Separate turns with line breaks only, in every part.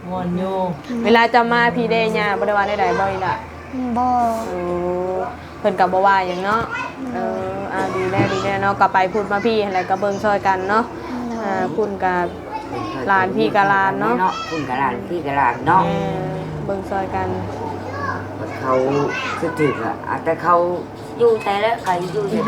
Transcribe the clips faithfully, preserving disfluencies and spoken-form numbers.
ม่วนอยู่
เวลาจะมาพี่เดย่าบ่ได้ว่าได้ๆบ่อีหล่ะ
บ่
โอ้เพิ่นก็บ่ว่าหยังเนาะเอออ่าดีแน่ดีแน่เนาะก็ไปพูดมาพี่อะไรก็เบิ่งช่วยกันเนาะอ่าคุณกับหลานพี่กับหลานเนาะ
คุณกับหลานพี่กับหลานเนาะ
เบิ่งช่วยกัน
เขาคือถึกอ่ะแต่เขาอยู่แต่ละใครอยู่แต่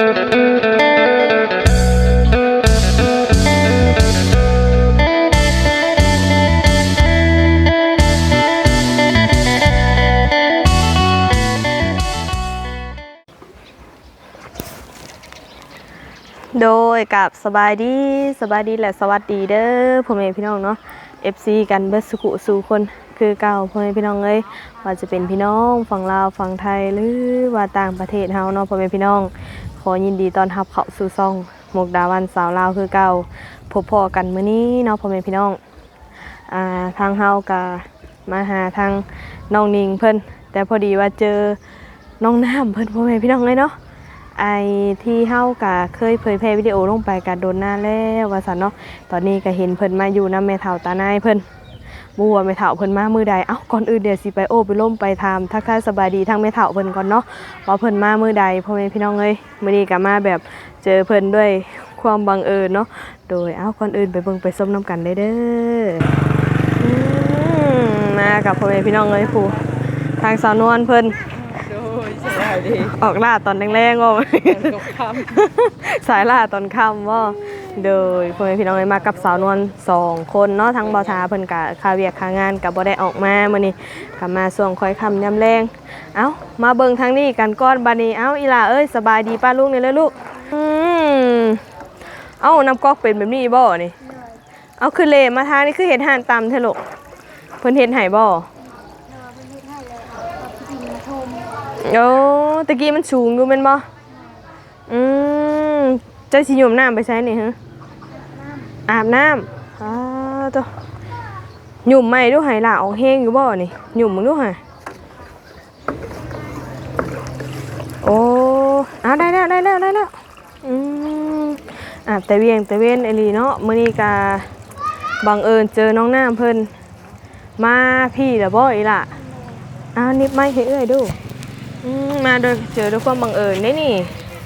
โดยกับสบายดีสบายดีและสวัสดีเด้อพ่อแม่พี่น้องเนาะ เอฟ ซี กันเบิดสุขุสู่คนคือเก่าพ่อแม่พี่น้องเอ้ยว่าจะเป็นพี่น้องฝั่งลาวฝั่งไทยหรือว่าต่างประเทศเฮาเนาะพ่อแม่พี่น้องขอยินดีต้อนรับเข้าสู่ช่องมุกดาวันสาวลาวคือเก่าพบพ่อกันมื้อนี้เนาะพ่อแม่พี่น้องอ่าทางเฮาก็มาหาทางน้องนิงเพิ่นแต่พอดีว่าเจอน้องน้ำเพิ่นพ่อแม่พี่น้องเลยเนาะไอที่เฮากะเคยเผยแพร่วิดีโอลงไปกะโดนหน้าแล้วว่าซั่นเนาะตอนนี้ก็เห็นเพิ่นมาอยู่นำแม่เฒ่าตานายเพิ่นบ่ฮู้ว่าแม่เฒ่าเพิ่นมามื้อใดเอ้าก่อนอื่นเดี๋ยวสิไปโอ้ไปล้มไปถามทักทายสบายดีทั้งแม่เฒ่าเพิ่นก่อนเนาะว่าเพิ่นมามื้อใดพ่อแม่พี่น้องเอ้ยมื้อนี้ก็มาแบบเจอเพิ่นด้วยความบังเอิญเนาะโดยเอ้าก่อนอื่นไปเบิ่งไปส้มน้ำกันได้เด้ออืมมากับพ่อแม่พี่น้องเอ้ยผู้ทางสาวนวลเพิ่นออกล่าตอนแรงๆว่าสายล่าตอนค่ำว่าโดยพ่อแม่พี่น้องเลยมากับสาวนวลสองคนเนาะทั้งบ่าวทาเพิ่นกะคาเวียกคางานกับบ่ได้ออกมามื้อนี้กลับมาช่วงค่อยค่ำยามแรงเอ้ามาเบิ่งทางนี้กันก่อนบัดนี้เอ้าอีหล่าเอ้ยสบายดีป้าลุงนี่เลยลูกอืมเอ้าน้ำก๊อกเป็นแบบนี้บ่นี่เอาคือเลมาทางนี่คือเฮ็ดห่านตำเถอะลูกเพิ่นเฮ็ดให้บ่โอ้ตะกี้มันสูงอยู่แม่นบ่อืมเจ้าสิโยมน้ำไปใช้นี่ฮะอาบน้ำอ้าวตัวหยุ่มใหม่ดูหายหล่าออกแห้งอยู่บ่นี่หยุ่มมึงดูหะโอ้อ้าวได้แล้วได้แล้วได้แล้วอืมอาบแต่เวียงแต่เว้นไอลีเนาะมื้อนี้ก็บังเอิญเจอน้องน้ำเพิ่นมาพี่ล่ะบ่อีล่ะอ้าวนิบไม้ให้เอ้ยดูมาโดยเจอด้วยความบังเอิญได้นี่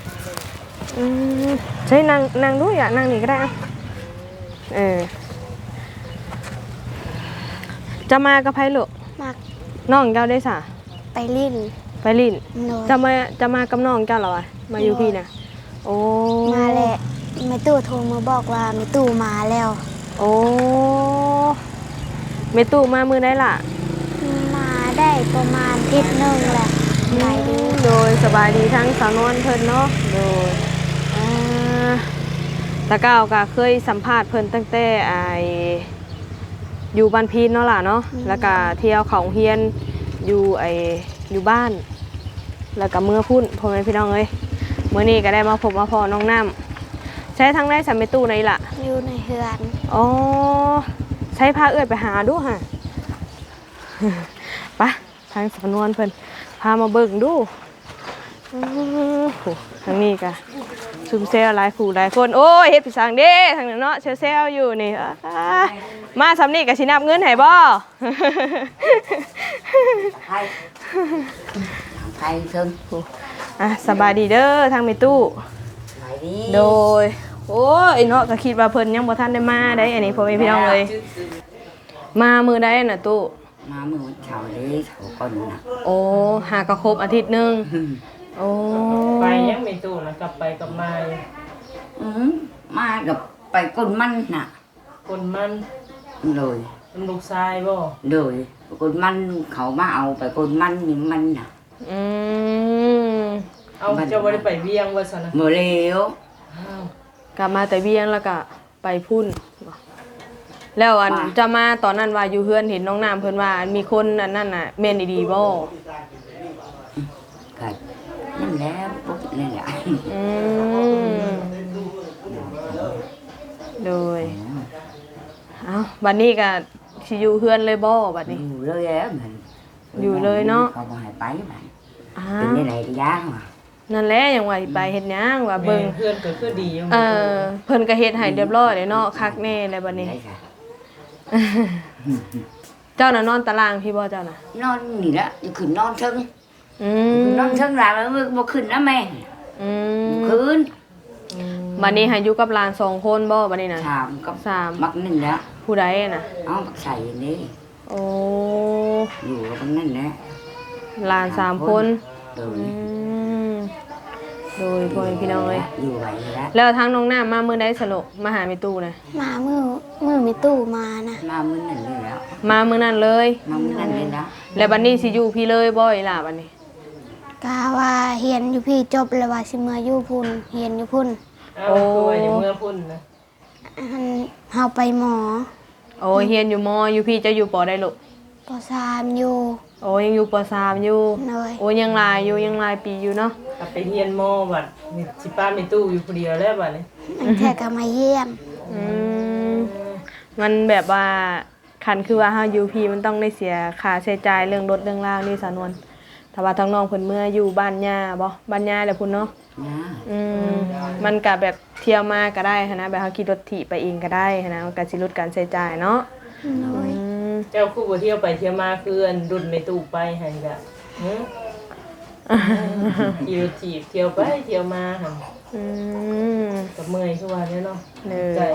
ใช่นางนางด้วยอ่ะนางนี่ก็ได้เออจะมากับไพ่ลูกมาน้องเจ้าได้สะ
ไปลิ้น
ไปลิ้นจะมาจะมากับน้องเจ้าเหรอมาอยู่พี่นะโอ้
มาแหละแม่ตู่โทรมาบอกว่าแม่ตู่มาแล้ว
โอ้แม่ตู่มามือได้ล่ะ
มาได้ประมาณอาทิตย์นึงแหละสบายดี
โดยสบายดีทั้งสาวนวลเพิ่นเนาะโดยตะก้าวก็เคยสัมภาษณ์เพิ่นตั้งแต่ไออยู่บ้านพีนเนาะล่ะเนาะแล้วก็เที่ยวเขาเฮียนอยู่ไออยู่บ้านแล้วก็เมื่อพุ่นพ่อแม่พี่น้องเอ้ยเมื่อนี้ก็ได้มาพบมาพอน้องน้ำใช้ทั้งได้สามเมตู้ในล่ะ
อยู่ในเฮือน
อ๋อใช้ผ้าเอื้อยไปหาดูฮะปะทางสาวนวลเพิ่นพามาเบิ่งดูทางนี้ก็ซุ่มเซลหลายผู้หลายคนโอ้ยเฮ็ดพี่สังเด้ทางนั้นเนาะเซลเซลอยู่นี่มาสำนี่ก็สินับเงินให้บ่
ไทยไทยซึ่ง
อ่ะสบายดีเด้อทางแม่ตู้โดยโอ้ยเนาะก็คิดว่าเพิ่นยังบ่ทันได้มาได้อันนี้พ่อแม่พี่น้องเลยมามื้อใดน่ะตู้
มาเมื่อวันเสาร์นี้เขาก่อนนะ
โอ้หากระครบอาทิตย์นึงโอ้
ไปยังไม่ตู้นะกลับไปกับมา
อืมมากับไปก้นมันน่ะ
ก้นมัน
เลย
มันลูกชายบ่
เลยก้นมันเขามาเอาไปก้นมันนี่มันน่ะ
อืม
เอาเจ้าบ่ได้ไปเวียงว่าซั่นน่ะ
เมื่อแล้ว
กลับมาแต่เวียงแล้วก็ไปพุ่นแล้วอันจะมาตอนนั้นว่าอยู่เฮือนเห็นน้องน้ำเพิ่นว่ามีคนอันนั้นน่ะแม่นดีๆบ่
ก็นั่นแล้วปุ๊บนั่นแหละ
อืมโดยเอ้าบัดนี้ก็สิอยู่เฮือนเลยบ่บัดนี้
อยู่เลยแล้วมัน
อยู่เลยเนาะ
เขาบ่ให้ไปบัดเป็นได้ไหนก็ยากว่ะ
นั่นแหละยังว่าไปเฮ็ดหยังว่าเบิ่ง
เพื่อนก็คือดีอยู่
เออเพิ่นก็เฮ็ดให้เรียบร้อยเลยเนาะคักแน่แล้วบัดนี้เจ้าน่ะนอนตารางพี่บ่เจ้าน่ะ
นอนนี่ละอยู่ขึ้นนอนเทิง
อืม
นอนเทิงหลานแล้วบ่ขึ้นนะแม่
อืม
คืน
บัดนี้ให้อยู่กับหลานสองคนบ่บัดนี้น่ะ
ถามกับ
สาม
มักนั่นแหละ
ผู้ใดน่ะ
เอาปักใส่นี่
โอ้
อยู่กับมันนั่นแหละ
หลานสามคน
โดย
อืมโดยพ่อแม่พี่น้องเอ้ย
อยู่ไว้แล้ว
แล้วทางน้องน้ำมามื้อใดสลกมาหาแม่ตู้น่ะ
มามือมือมีตู้มานะ
มามื้อนั่นเลยแล้ว
มามื้อนั้นเลย
มามื้อนั่นเลยแล้ว
แล้วบัดนี้สิอยู่พี่เลยบ่อีหล่ะบัดนี้
กาว่าเฮียนอยู่พี่จบแล้วว่าสิมาอยู่พุ่นเฮียนอยู่พุ่น
เอาตัวอย่างเมื่อพุ่นนะ
อันเฮาไปหมอ
โอ้เฮียนอยู่มออยู่พี่จะอยู่ปอได้ลูก
ปสามอยู่
โอ้ยังอยู่ปสามอยู่
เลย
โอ้ยังหลายอยู่ยังหลายปีอยู่เนาะ
กลับไปเฮียนโมบัดนี่สิป้ามีตู้อยู่คนเดียวแล้วบัดนี้
อันแท้ก็มาเยี่ยม
อืมมันแบบว่าคันคือว่าเฮาอยู่พี่มันต้องได้เสียค่าใช้จ่ายเรื่องรถเรื่องล่างนี่สานวนถ้าว่าทางน้องเพิ่นเมื่ออยู่บ้านย่าบ่บ้านย่าแหละพุ่นเนาะ
นะ
อืมมันก็แบบเที่ยวมาก็ได้หั้นนะแบบเฮาขี่รถถีบไปเองก็ได้หั้นนะมันก็สิลดการใช้จ่ายเนาะ
เลย
อืม
เจ้าคู่บ่เที่ยวไปเที่ยวมาคืออันดุนในตู้ไปให้จ้ะหึขี่รถถีบเที่ยวไปเที่ยวมาหั่น
อืม
กับเมื่อยคือว่าเนี่ยเนาะ
เล
ใจ
ย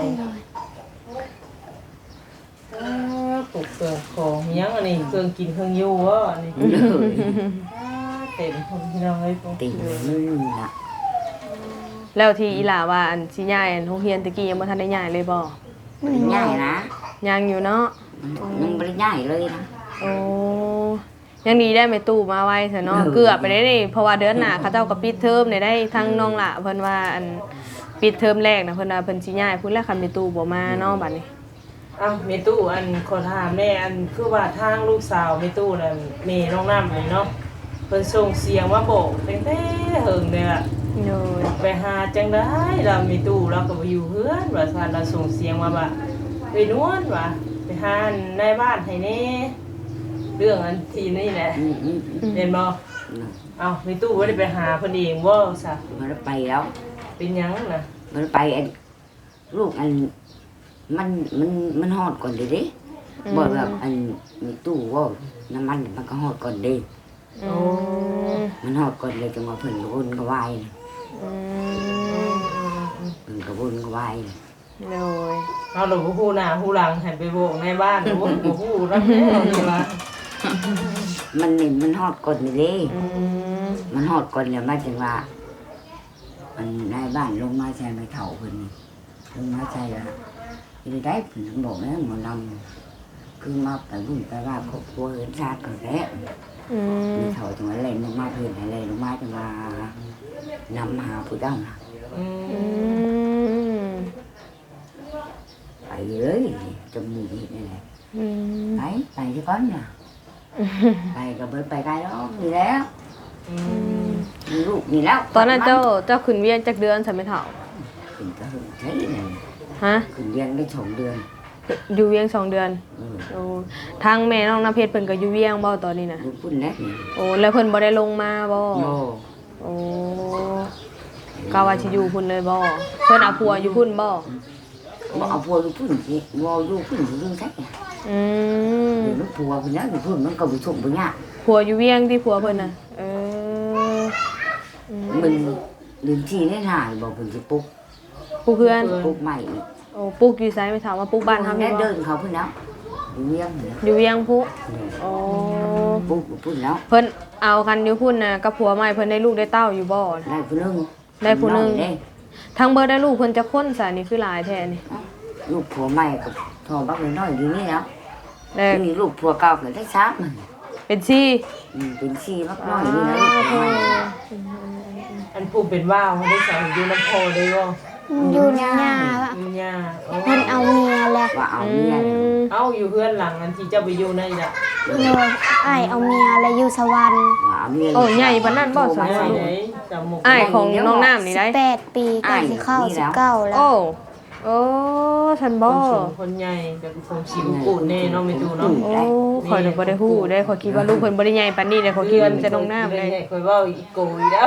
อ้าปลูกเครื่องของอิหยังอันนี้เครื่องกินเครื่องอยู่วะอันนี้
เลย
อ้าเต็มคนพี่น้องเอ้ยพวก
ติมันน่ะ
แล้วที่อีหล่าว่าอันสิย้ายอันโรงเรียนตะกี้ยังบ่ทันได้ย้ายเลยบ่
บ่ได้ง่ายนะ
ยังอยู่เนาะ
ยังบ่ได้ง่ายเลยนะ
โอ้ยังดีได้แม่ตู้มาไว้ซะเนาะ
เออ
เกือบไปได้นี่เพราะว่าเดือนหน้าเขาเจ้าก็ปิดเทอมได้ได้ทั้งน้องละเพิ่นว่าอันปิดเทอมแรกนะเพิ่นว่าเพิ่นสิย้ายพุ่นแล้วคันแม่ตู้บ่มาเนาะบัดนี้
เอ้าเมตู้อันขอถามแม่อันคือว่าทางลูกสาวเมตู้นั่นเมน้องน้ำนี่เนาะเพิ่นส่งเสียงมาบอกตั้งแต่เฮิงเลยอะ
โดย
ไปหาจังได้เราเมตู้เราก็บ่อยู่เฮือนว่าซั่นเราส่งเสียงมาว่าไปนวลว่าไปหาในบ้านให้แน่เรื่องอันทีนี่แหละ
อืมอืมอืม
เห็นบ่
น่ะ
เอ้าเมตู้บ่ได้ไปหาเพิ่นเองบ่ซะ
บ่ได้ไปแล้ว
เป็นหยังน่ะ
บ่ได้ไปอันลูกอันมันมันมันฮอดก่อนเด้เด้บ่แบบอันมีตู้ว่าน้ำมันมันก็ฮอดก่อนเด้
อืม
มันฮอดก่อนเลยจังว่าเพิ่นก็วนก็วายน่ะ
อืม
เพิ่นก็วนก็วายน่ะ
โดย
เอาหลวงพ่อฮู้หน้าฮู้หลังให้ไปโบกในบ้านโอ้ยบ่ฮู้นำแล้วนี่ว่า
มันนี่มันฮอดก่อนนี่เด้
อืม
มันฮอดก่อนแล้วมาจังว่ามันนายบ้านลงมาใช้ไม้เฒ่าเพิ่นนี่ลงมาใช้แล้วสิได้เพิ่นบอกแล้วหมอนำคือมาไปบุญไปว่าครอบครัวเฮือนชาติก่อนแล้ว
อืม
ไม้เฒ่าจังว่าแล่นลงมาเพิ่นให้แล่นลงมาจังว่านำหาผู้เจ้าน่ะ
อื
อื
ม
ม
ไปเลยจมูกเห็นนี่แหละ
อืม
ไปไปที่ก้อนน่ะไปกับเบิร์ดไปไกลแล้วมีแล้ว
อืม
มีลูกมีแล้ว
ตอนนั้นเจ้าเจ้าขึ้นเวียนจักเดือนใช่ไหมเฒ่า
ขึ้นก็หึงใช่เลย
ฮะ
ขึ้นเรียนได้สองเดือน
อยู่เวียงสองเดือน
เออ
โอ้ทางแม่น้องน้ำเพชรเพิ่นก็อยู่เวียงบ่ตอนนี้น่ะ
ลูกพุ่นแล้วนี่
โอ้แล้วเพิ่นบ่ได้ลงมาบ่
โอ้
โอ้ก็ว่าสิอยู่พุ่นเลยบ่เพิ่นเอาผัวอยู่พุ่นบ่
บ่เอาพัวลูกพุ่นสิบ่อยู่พุ่นสิอยู่ใช่
อืม
เดี๋ยวลูกพัวพุ่นแล้วอยู่พุ่นมันก็บ่ส่งบ่ยาก
ผัวอยู่เวียงที่ผัวเพิ่นน่ะเอออืม
มันเดือนที่ได้ถ่ายบอกเพิ่นสิปลุก
ปลูกเพื่อน
ปลุกใหม่อีก
โอ้ปลูกอยู่ไสไม่ถามว่าปลูกบ้านเฮา
แม่
มีบ่
เดินเขาพุ่นแล้วอยู่เวียงนี่
อยู่เวียงพุโอ้
ปลุกอยู่พุ่นแล้ว
เพิ่นเอากันอยู่พุ่นน่ะกับผัวใหม่เพิ่นได้ลูกได้เต้าอยู่บ่
ได้ผู้หนึง
ได้ผู้หนึ่ง
ได้
ทั้งเบิดได้ลูกเพิ่นจะคนซะนี่คือหลายแท้นี่
ลูกผัวใหม่กับทอบักน้อยอยู่นี่แล้ว
แล้ว
มีลูกผัวเก่าก็ได้สามมัน
เป็นซี่
อืมเป็นชีบักน้อยนี่นะลูกผัวใหม่
อันผู้เป็นว่าวได้ใส่อยู่น้ำโพได้บ่
อยู่ในหญ้า
อยู่ย่าโอ้
เพิ่นเอาเมียแหละ
ว่าเอาเมียเลย
เอ้าอยู่เฮือนหลังอันที่เจ้าไปอยู่นั่นน่ะ
เลยอ้ายเอาเมียแล้วอยู่สวรรค์
ว่าเอาเมีย
โอ้ใหญ่ปานนั้นบ่ส
ไห
วน
นไหนจำหมก
อ้ายของน้องน้ำนี่ได้
สิบแปดปีก็สิเข้าสิบเก้าแล้ว
โอ้โอ้ฉัน
ค
บ่
นสูงคนใหญ่กับผมสิวกูดแน่เนาะไม่ดูเนาะ
โอ้ข่อยน่ะบ่ได้ฮู้ได้ข่อยคิดว่าลูกเพิ่นบ่ได้ใหญ่ปานนี้เลยข่อยคิดว่ามันจะน้องน้ำเลย
คอยว่าอีโกยแล้ว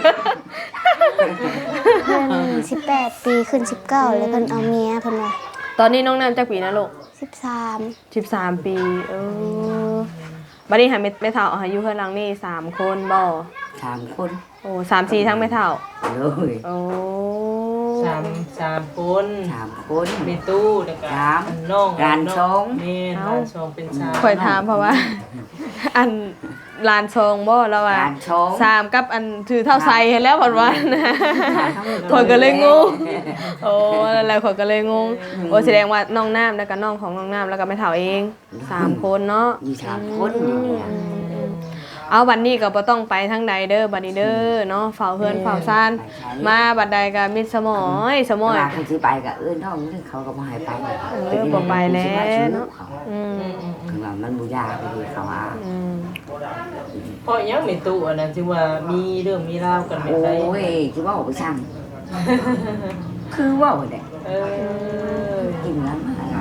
เพิ่นสิบแปดปีขึ้นสิบเก้าแล้วเพิ่นเอาเมียเพิ่นว่า
ตอนนี้น้องน้ำจักปีนะลูก
สิบสาม
สิบสามปีเออบัดนี้หาแม่แม่เฒ่าอายุเพิ่นหลังนี่สามคนบ่
สามคน
โอ้สามสี่ทั้งแม่เฒ่า
เลย
โอ้
สามสามคน
สามคน
มีตู้แล้วก็
สาม
น้อง
ร้านชง
แม่ร้านชงเป็นสาม
ข่อยถามเพราะว่า อันลานทรงบ่แล้วว่า
ร้านชง
สามกับอันถือเท่าไซเห็นแล้วเพิ่นว่านะข่อยก็เลยงงโอ้แล้วข่อยก็เลยงงโอ้แสดงว่าน้องน้ำแล้วก็น้องของน้องน้ำแล้วก็แม่เฒ่าเองสามคนเนาะ
มีสามคนอยู่เนี่ย
เอาบัดนี้ก็บ่ต้องไปทางใดเด้อบัดนี้เด้อเนาะเฝ้าเฮือนเฝ้าซ่านมาบัดใดก็มิดสมอยสมอย
เวลาเขาซื้อไปกับเอื้อนท้องนี่เขาก็มาให้ไป
เออบ่ไปแล้วเนาะอืม
คือว่ามันบุญยากไปดีเขาว่า
อืม
เพราะยังมีตู้อันนั้นที่ว่ามีเรื่องมีราวกันไม่
โอ้
ได้
ยคือว่าไปช่างคือว่าเด็ก
เออ
กินแล้วมาอะไร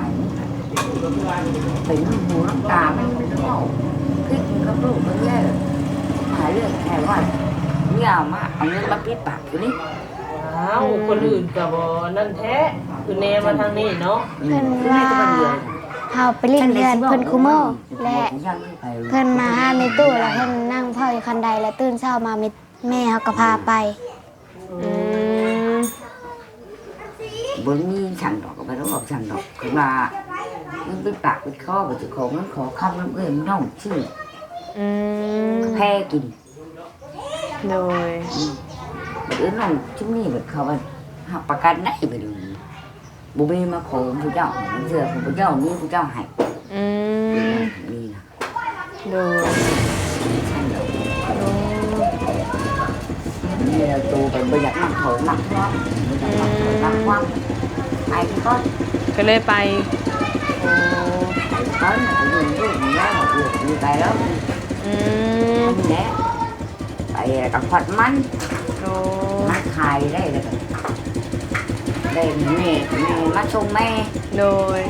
เป็นหูน้ำตาไม่เป็นว่าพริกกับลูกมันแย่หาเรื่องแค่ว่าเนี่ยเอามาเอาเงินมาปิดปากอยู่นี่
อ้าวคนอื่นก็บ่นั่นแท้คือแนมาทางนี้เนาะ
เพิ่น
คือ
ว่า
ในตัวเดียว
เฮาไปเล่นเรือนเพิ่นคุโมและเพิ่นมาหาในตู้แล้วเพิ่นนั่งเฝ้าอยู่คันใดแล้วตื่นเช้ามาแม่เฮาก็พาไป
อืม
บนมีฉันดอกก็ไปต้องบอกฉันดอกคือว่ามันปิดปากปิดคอไปจุดของมันขอคำน้ำเอื้อมน้องชื่อ
อืม
แพ้กิน
โดย
เอื้อน้องชุ่มนี่แบบเขาว่าหักประกันได้ไปดูบุบีมาขอผู้เจ้าเสือผู้เจ้านี่ผู้เจ้าให้
อืม
นี่นะ
โดย
ฉันดอก
โอ้
นี่เราตูเป็นประหยัดมากโถมากความประหยัดมากโถมากความไอ้ก็
ก็เลยไปโอ้
ไอ้ก็อยู่รูปนี้แล้วอยู่อยู่ไปแล้ว
อืม
มันแหละไปกับผัดมัน
โอ้
มาขายได้เลยได้แม่แม่มาส่งแม่
โดย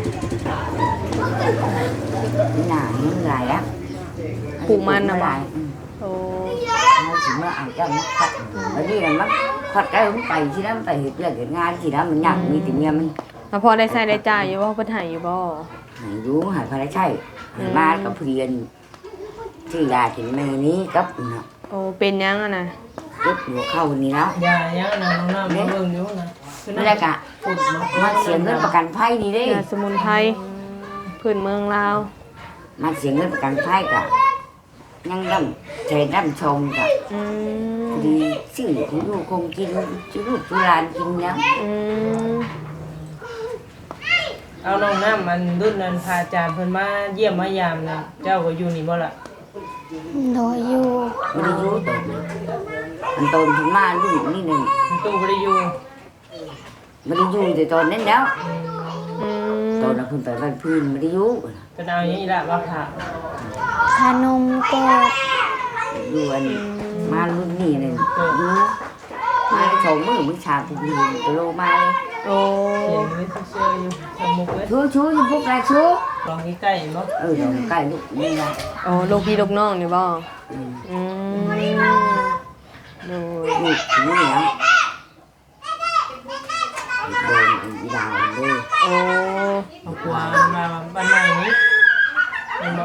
หนาเงินหลายอ่ะ
ปลูกมันน่ะบ่
หลาย
โอ้
เขาถึงเมื่อเอาเจ้ามาขัดแล้วนี่น่ะมันขัดได้มันไปที่นั่นไปเหตุเรื่องเหตุงานที่นั่นมันอยากมีแต่เมียมัน
แล้วพอได้ใช้ได้จ่ายอยู่บ่เพิ่นให้อยู่บ่
หายรู้หายพระใช่หายมากับเพียนที่ยาถึงแม่นี้กับเนาะ
โอ้เป็นยังอ่ะนะ
เจ็บหัวเข้านี่แล้ว
อย่ายังนะน้องน้ำมาเบิ่งอยู่นะคือ
นั่นแหละกะ
ฝุ่นเนาะ
มาเสียเงินประกันภัยนี่เด้
ยาสมุนไพรพื้นเมืองลาว
มาเสียเงินประกันภัยกะยังดำเทดำชงกะ
อืม
ดีสื่อที่ลูกคงกินจุลูกจุลานกินยัง
อืม
เอาน้องน้ำมันรุ่นนั้นพาอาจารย์เพิ่นมาเยี่ยมมายามนะเจ้าก็อยู่นี่บ่ล่ะ
โดยอยู่
ไม่ได้รู้ตัวมันโตถึงมาลูกนี่หนึ่ง
ตู้บ่ได้อยู่
ไม่ได้อยู่แต่ตอนนั้นแล้ว
อืม
ตอนนั้นคุณไปบ้านพื้นไม่ได้อยู่
เป็นเอาอย่างนี้ละว่าค่ะ
ขนมก็
อยู่อันมารุ่นนี้เลยอยู่มาสองมือมือชาถึงยืนตัวโลมาเลย
โอ้
เขียนไว้เชื่อๆอยู่สมุกเว้ย
ชูชูอยู่พวกไรชู
ลองใกล้ๆบ่
เออเดี๋ยวใกล้ลูกนี่นะ
โอ้ลูกพี่ลูกน้องนี่บ่
อืม
อืมโดย
นี่ถึงนี่แล้วโดนอีดาวเลย
โอ้
เอากวางมาบ้านใหม่นี้เห็นบ่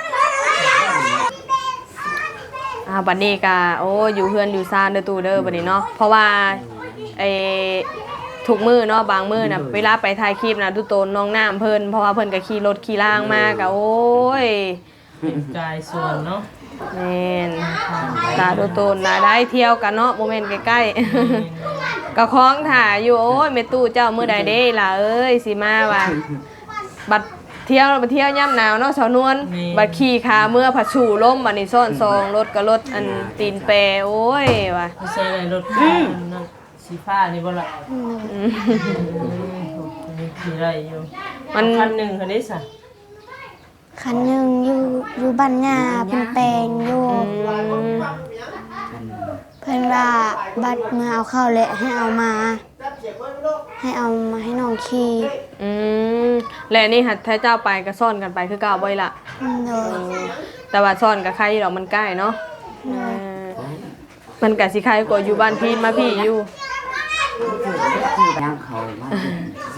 อ่าบัดนี้ก็โอ้อยู่เฮือนอยู่ซ่านเด้อตู่เด้อบัดนี้เนาะเพราะว่าไอ้ทุกมื้อเนาะบางมื้อน่ะเวลาไปถ่ายคลิปน่ะทุกโตนน้องน้ำเพิ่นเพราะว่าเพิ่นก็ขี่รถขี่ล่างมาก็โอ้ย
เป็นกายส่วนเนาะ
แม่นตาดูโตนน่ะได้เที่ยวกันเนาะบ่แม่นใกล้ๆ ก็คล้องถ่าอยู่โอ้ยแม่ตู้เจ้ามื้อใดเด้ล่ะเอ้ยสิมาว่า บัดเที่ยวบัดเที่ยวย่ำหนาวเนาะสาวนวลบัดขี่ขาเมื่อผัดชูล้มบัดนี้ซ่อนซองรถก็รถอันตีนแปรโอ้ยว่ะ
ไม่ใช่อะไรรถคันนั้นสีฟ้านี่บ่ล่ะ
อืม
อืมมีขี่ไรอยู่
มัน
คันหนึงคันนี้ซะ
คันหนึงอยู่อยู่บ้านหญ้าเพิ่นแปลงอยู่
อืม
เพิ่นว่าบัดเมื่อเอาเข้าและให้เอามา ให้เอามาให้น้องขี่
อืมและนี่หัดถ้าเจ้าไปก็ซ่อนกันไปคือเก่าบ่อยล่ะ
โดย
แต่ว่าซ่อนกับใครดอกมันใกล้เนาะเออมันก็สิใครกว่าอยู่บ้านพี่มาพี่อยู่
คือคือน้ำเขามาสิ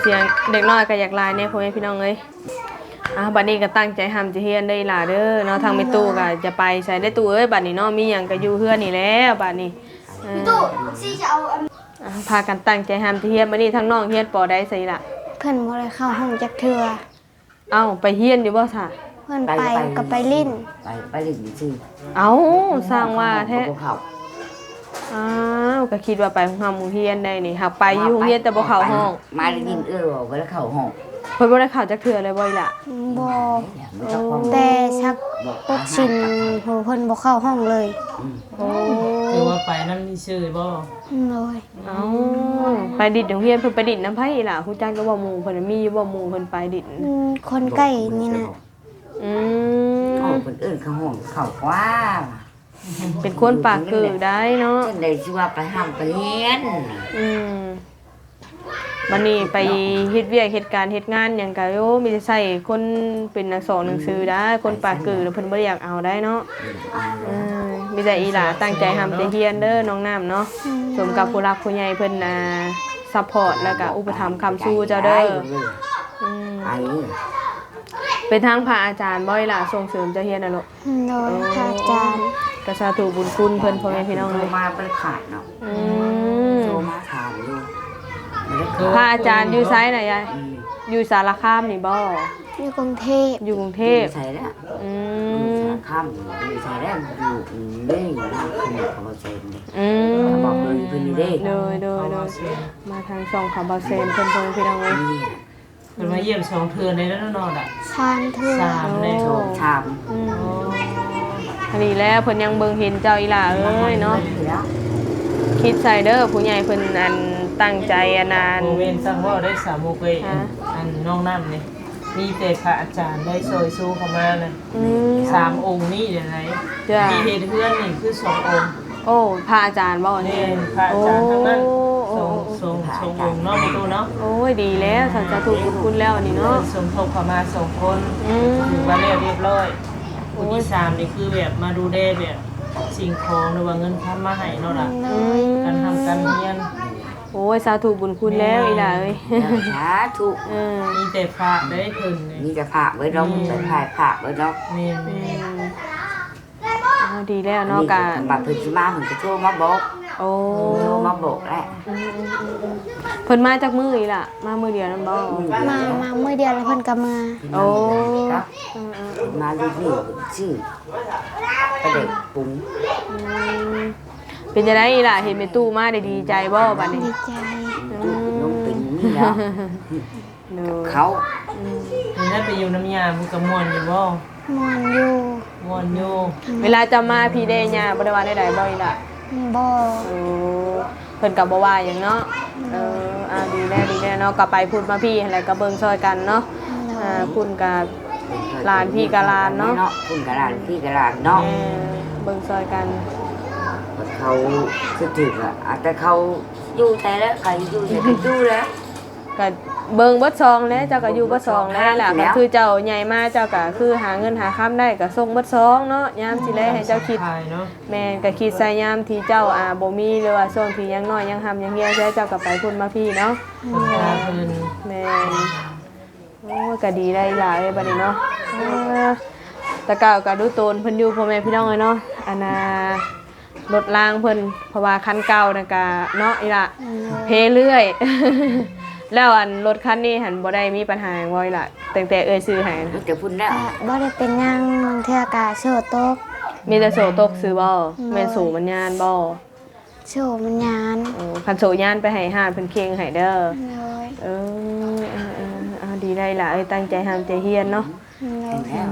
เสียงเด็กน้อยก็อยากลายเนี่ยพ่อแม่พี่น้องเอ้ยอ่ะบัดนี้ก็ตั้งใจทำจะเฮียนได้ล่ะเด้อเนาะทางแม่ตู้ก็จะไปใช้ได้ตู้เอ้ยบัดนี้เนาะมีหยังก็อยู่เฮือนนี่แหล้วบัดนี้เออ
ตู้สิจะเอาอัน
อ่ะพากันตั้งใจทำจะเฮียนบัดนี้ทั้งน้องเฮียนปอได้ใส่ล่ะ
เพิ่นบ่ได้เข้าห้องจักเทื่อ
เอ้าไปเฮียนอยู่บ่ซะ
เพิ่นไปก็ไปลิ้น
ไปไปเล่นซื่อ
เอ้าสร้างว่าแท้
บ่เข้า
อ้าวก็คิดว่าไปของเฮาหมู่เฮียนได้นี่หักไปอยู่โรงเฮียนแต่บ่เข้าห้อง
มาได้ยินเอื้อว่าบ่ได้เข้าห้อง
เพิ่นบ่ได้เข้าจักเทื่อเลยบ่อีหล่ะ
บ่
บ่จักความ
แต่ชักปกชินโหเพิ่นบ่เข้าห้องเลย
โอ้
คือว่าไปนำนี่ชื่อบ่
เลย
เอ้าไปดิดโรงเรียนเพิ่นไปดิดน้ำไผอีหล่ะฮู้จักก็บ่หมู่เพิ่นมีอยู่บ่หมู่เพิ่นไปดิด
อืมคนใกล้นี่นะ
อื
ห้อง
ม
คนอื่นเข้าห้องเข้ากว่า
เป็นคนปากคือได้เนาะ
จนได้ชื่อว่าไปห้ามไปเรียน
อืมวันนี้ไปเฮ็ดเวียกเฮ็ดการเฮ็ดงานหยังก็โยมีแต่ใส่คนเป็นนักสอนหนังสือได้คนปากคือแล้วเพิ่นบ่ได้อยากเอาได้เนาะเออมีแต่อีหล่าตั้งใจทำแต่เรียนเด้อน้องน้ำเนาะสมกับผู้รักผู้ใหญ่เพิ่นน่ะซัพพอร์ตแล้วก็อุปถัมภ์คำสู้เจ้าเด้ออืม
ไป
เป็นทางพระอาจารย์บ่อยล่ะส่งเสริมเจ้าเฮียนน่ะลูก
โดยพระอาจารย์
กระสาธุบุญคุณเพิ่นพ่อแม่พี่น้อง
โท
เล
ร
ย
มาบ่ได้ขาดเนาะ
อืม
โทรมาถามอยู่บ่ได้
พ
ขา
ระ
ด
อาจารย์อยู่ไสน่ะยาย
อืม
อยู่สารคามนี่บ่
อยู่กรุงเทพ
อยู่กรุงเทพ
ใช่แล้ว
อื
อยู่
ม
สารคามอยู่ใช่แล้วอยู่เด้งนะขนมของเราเซนเด้
อืม
บอกเลยเพิ่นนี่เด้
โดยโดยโดยมาทางช่องข่าวบาเซนเพิ่นพ่อแม่พี่น้องเลย
นี่
เพิ่นมาเยี่ยมสองเทื่อในแล้วนอนอ่ะ
ชานเทื่อ
สามเลย
โชคชาม
อืมอันนี้แล้วเพิ่นยังเบิ่งเห็นเจ้าอีหล่าเอ้ยเนาะ
แล้ว
คิดใส่เด้อผู้ใหญ่เพิ่นอันตั้งใจอันนาน
โมเวนตั้งว่าได้สามโมงไป
ฮะ
อันน้องน้ำนี่มีแต่พระอาจารย์ได้ซอยสู้เข้ามาเลย
อืม
สามองค์นี่เดี๋ยวไหน
จ้ะ
ที่เฮ็ดเพื่อนนี่คือสององค์
โอ้พระอาจารย์บ่
นี่
นี่
พระอาจารย์ทั้งนั้น
โอ้
สองสองสององค์เนาะประตูเนาะ
โอ้ยดีแล้วสันจะถูกบุญคุณแล้วนี่เนาะ
สมทบเข้ามาสองคน
อืม
ถือว่าเรียบเรียบร้อยคนที่สามนี่คือแบบมาดูแลแบบสิ่งของหรือว่าเงินค้ำมาให้เนาะล่ะ
เล
อื
ย
ม
การทำการเรียน
โอ้ยสาธุบุญคุณแล้วอีหล่าเอ้ย
สาธุ
เออ
มีแต่พระได้ถึงนี่
มีแต่ผักไว้ดอกมีแต่ถ่ายผักไว้ดอก
แม่
อื
แม่
มเอาดีแล้วเนาะกะ
บัดเพิ่นสิมาเพิ่นก็โทรมาบอก
โอ้
โทรมาบอกแหละ
อืมอืมอืมอืมเพิ่นมาจากมืออีหล่ะมามือเดียวนั่นบ่
มามามื้อเดียวแล้วเพิ่นก็มา
โอ้
ครับ
อืมอืม
มาดูนี่ชื่อประเด็กปรุง
อืมเป็นจังได๋อีหล่ะเห็นแม่ตู้มาได้ดีใจบ่บัดนี้
ดีใจ
ตู้น้องเป็นนี่แล้ว
เด้อ
เขา
อืม
นี่ได้ไปอยู่น้ำยามันก็ม่วนอยู่บ่
มอนอยู่
ม่วนอยู่
เวลาจะมาพี่ได้ย่าบ่ได้ว่าได้ใดบ่อีหล่ะ
บ่
โอ้เพิ่นก็บ่ว่าหยังเนาะเอออ่าดีแน่ดีแน่เนาะก็ไปพูดมาพี่อะไรก็เบิ่งซอยกันเนาะอ่าคุณกับ หลานพี่กับหลานเนาะ
คุณกับหลานพี่กับหลานเนาะ
เออเบิ่งซอยกัน
เขาคือถึกอ่ะแต่เขาอยู่แต่แล้วใครอยู่แต่ก็อยู่แล้ว
ก็เบิ่งเบิดซองแล้วเจ้าก็อยู่เบิดซองแล้วล่ะ
แล้
ก็
ว
คือเจ้าใหญ่มาเจ้าก็คือหาเงินหาค้ำได้ก็ส่งเบิดซองเนาะยามสิแลให้เจ้าคิด
ทายเนาะ
แม่นก็คิดใส่ยามที่เจ้าอ่าบ่มีหรือว่าช่วงที่ยังน้อยยังหำยังเหี่ยวใช้เจ้าก็ไปพุ่นมาพี่เนาะ
คนตาเพิ่น
แม่นโอ้ยก็ดีได้หลายบัดนี้เนาะเออแต่เก่าก็ดูโตนเพิ่นอยู่พ่อแม่พี่น้องเลยเนาะอันน่ะรถรางเพิ่นเพราะว่าคันเก่าน่ะก็เนาะอีละเพเรื่อย แล้วอันรถคันนี้หันบ่ได้มีปัญหาหยังบ่อีละตั้งแต่เอ่ยซื้อให้นะ
มันจะพุ่นแล้ว
ก็บ่ได้เป็นหยังเทื่อกะโชว์ตก
มีแต่โสตกซื้อบ่แม่นสูงมันยานบ่
โชว์มันยาน
โอ้คันโสยานไปให้ห้านเพิ่นเคียงให้เด้อ
เลย
เออเออเออเอาดีได้ล่ะเอ้ยตั้งใจทำใจเฮียนเนาะ
เลย
แล้ว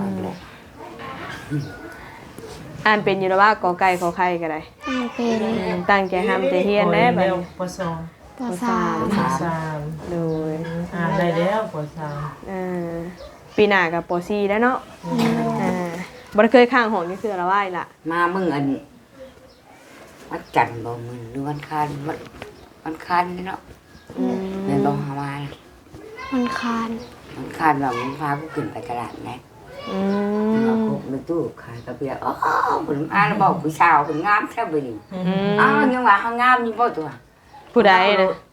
อ่านเป็นอยู่แล้วว่ากอไก่ขอไข่ก็ได้
อ่านเป็น
อืมตั้งใจทำใจเฮียนแน่บัด
แล้ว
นี้
ปสอง
ปสาม
ปสาม
โดย
อ่านได้แล้วปสาม
อ่าปีหน้ากับปอซี่แล้วเนาะอ่าบ่ได้เคยข้างหองนี่คือละว่ายล่ะ
มามึงอันวันจันทร์บ่มึงหรือวันคานวันวันคานนี่เนาะ
อืม
แม่นบ่หามา
มันคาน
วันคานว่ามึงพากูขึ้นไปตลาดนะ
อื
เอา
ม
พวกในตู้ขายกระเบียร์อ๋อผลมาแล้วบอกผู้สาวผลงามแท้บ่นี่
อืม
อ้าวยังว่าเฮางามอยู่บ่ตัว
ผู้ใดนะ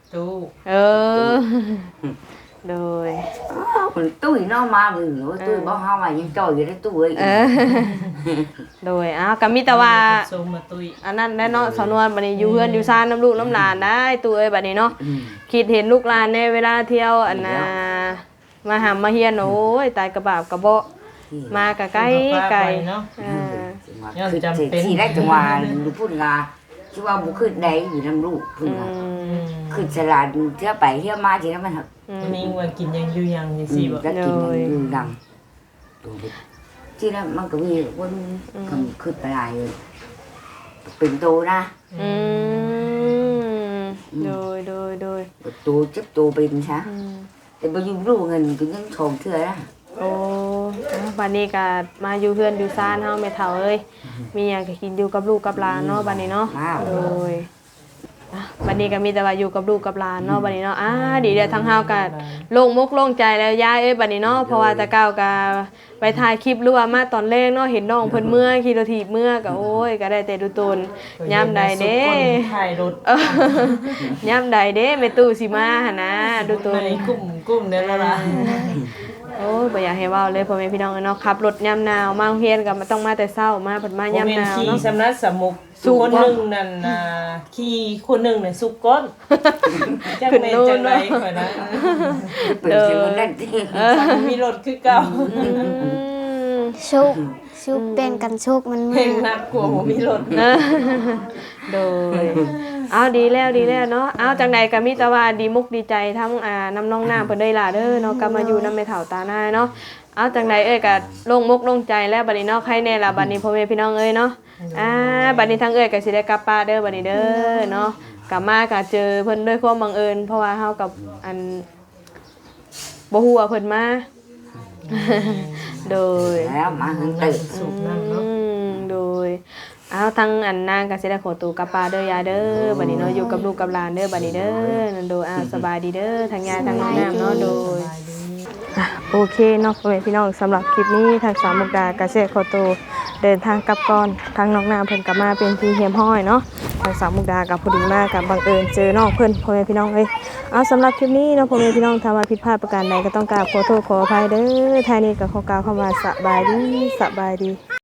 ตู้
เออโดย
คนตุ้ยน้องมาบึงว่าตุ้ยบ่เฮาว่ายังจ่อยอยู่ในตู้เอ้ย
เออโดยอ้าวก็มีแต่ว่า
ส่งมาตุ้ย
อันนั้นได้เนาะสาวนวลบัดนี้อยู่เฮือนอยู่ซ่านน้ำลูกน้ำหลานได้ตัวเอ้ยบัดนี้เนาะ
อืม
คิดเห็นลูกหลานในเวลาเที่ยวอันน่ะมาหามาเฮียนโอ้ยตายกระบาบกระเบาะมากะไกลไกล
เนาะ
เออ
คือจำเป็นที่ได้จังหวะดูพูดงาที่ว่าบุขึ้นได้อยู่น้ำลูกพูดงาขึ้นสลัดเที่ยวไปเที่ยวมาทีนั้นมัน
วันนี้ว่ากินยังอยู่ยังจัง
อื
ซี่
ม
บ่
ก็กินอยู่ดังที่นั้นมันก็มีคนคำขึ้นไปหลายเลยเป็นโตนะ
อืมโดยโดยโดย
โตเจ็บโตเป็นใช่แต่ไปยุ่งลูกเงินก็ยังชมเถื่อนะ
โอ้บัดนี้ก็มาอยู่เฮือนอยู่ซ่านเฮาแม่เฒ่าเอ้ยมีหยังก็กินอยู่กับลูกกับหลานเนาะบัดนี้เนาะโดยอ่ะบัดนี้ก็มีแต่ว่าอยู่กับลูกกับหลานเนาะบัดนี้เนาะอ่าดีเด้อทั้งเฮาก็โล่งมกโล่งใจแล้วยายเอ้ยบัดนี้เนาะเพราะว่าแต่เก่าก็ไปถ่ายคลิปหรือว่ามาตอนแรกเนาะเห็นน้องเพิ่นเมื่อขี่รถถีบเมื่อก็โอ้ยก็ได้แต่ดูตนยามใดเด้
ถ่ายรถ
เออยามใดเด้แม่ตู้สิมาหั่นนะดูตน
ในกลุ่มกลุ่มนั่นล่ะ
โอ้ยบ่อยากให้เว้าเลยพ่อแม่พี่น้องเนาะขับรถยามหนาวมาโรงเรียนก็มันต้องมาแต่เช้ามาเพิ่นมายามหนาว
ขี่
เนาะ
สำนักสมุกคนหนึงนั่นน่ะขี่คนหนึงน่ะสุกก้นจักแม่นจังได๋ข่อยนะ
เป็นเสียงนั่นที่
มีรถคือเก่า
อืม
ชุกชุกเป็นกันชุกมัน
เพล
มื
ง
อ
น่ากลัวบ่มีรถ
เออโดยเอาดีแล้วดีแล้วเนาะเอาจังใดก็มีแต่ว่าดีมุกดีใจทั้งอ่าน้ำน้องน้ำเพิ่นได้ล่ะเด้อเนาะกลับมาอยู่นำแม่เฒ่าตาหน้าเนาะเอาจังใดเอ้ยก็โล่งมุกโล่งใจแล้วบัดนี้เนาะใครแน่ล่ะบัดนี้พ่อแม่พี่น้องเอ้ยเนาะอ่าบัดนี้ทั้งเอ้ยก็สิได้กลับป้านเด้อบัดนี้เด้อเนาะกลับมาก็เจอเพิ่นด้วยความบังเอิญเพราะว่าเฮากับอันบ่ฮู้ว่าเพิ่นมา โดย
แล้วมาหันตื่น
สุกนั่น
อื
เนาะ
มโดยเอาทั้งอันนางก็สิได้ขอตัวกลับป้านเด้อยายเด้อบัดนี้เนาะอยู่กับลูกกับหลานเด้อบัดนี้เด้อนั่นโดยอ่าสบายดีเด้อทั้งยายทั้งน้องน้ำเนาะโดย อ่ะโอเคเนาะพ่อแม่พี่น้องสำหรับคลิปนี้ทางสามมุกดากระเซขอตัวเดินทางกลับก่อนทางน้องนาเพิ่นกลับมาเป็นทีเฮียมห้อยเนาะทางสามมุกดากับพอดีมากกับบังเอิญเจอน้องเพิ่นพ่อแม่พี่น้องเอ้ยเอาสำหรับคลิปนี้เนาะพ่อแม่พี่น้องถ้าว่าผิดพลาดประการใดก็ต้องกราบขอโทษขออภัยเด้อท้ายนี้ก็ขอกล่าวคำว่าสบายดีสบายดี